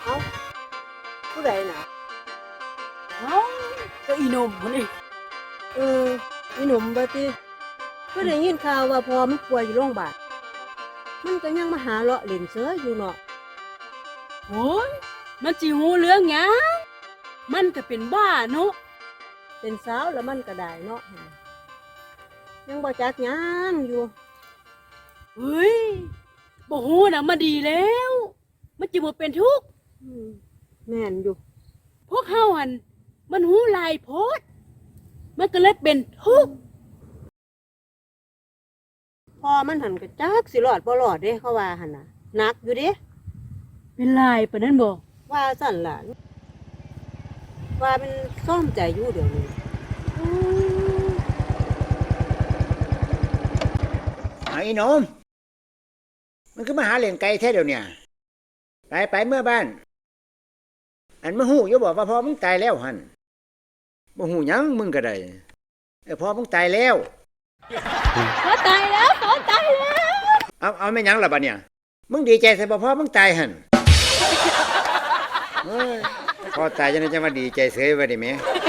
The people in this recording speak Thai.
เอ้าผู้ใดน่ะเอ้าก็อีหนุ่มคนนี้เอออีหนุ่มบ่ติก็ได้ยินข่าวว่าพอมันป่วยอยู่โรงพยาบาลมันก็ยังมาหาเลาะเล่นเสืออยู่เนาะโอ้ยมันจิหูเรื่องหยังมันก็เป็นบ้าเนาะเป็นสาวแล้วมันก็ได้เนาะยังบ่จักหยังอยู่เฮ้ยบ่ฮู้น่ะมาดีแล้ว มันจิบ่เป็นทุกข์อืมแม่นอยู่พวกเฮาหั่นมันหูหลายโพดมันก็เลยเป็นทุกข์พอมันหันก็จักสิรอดบ่รอดเด้เขาว่าหั่นน่ะหนักอยู่เด้เป็นลายปานนั้นบ่ว่าสั่นล่ะว่ามันซ่อมใจอยู่เดี๋ยวนี้ไอ้หนมมันคือมาหาเล่นไก่แท้เดี๋ยวเนี่ยไปเมื่อบ้าน อันมาหูอย่าบอกว่าพ่อมึงตายแล้วหันบ่หูหยังมึงก็ได้พ่อมึงตายแล้วเขาตายแล้วเขาตายแล้วเอาไม่หยังล่ะบัดเนี่ยมึงดีใจใส่บ่พ่อมึงตายหันเฮ้ยพ่อตายจังได๋จะมาดีใจเสยว่าดิแม่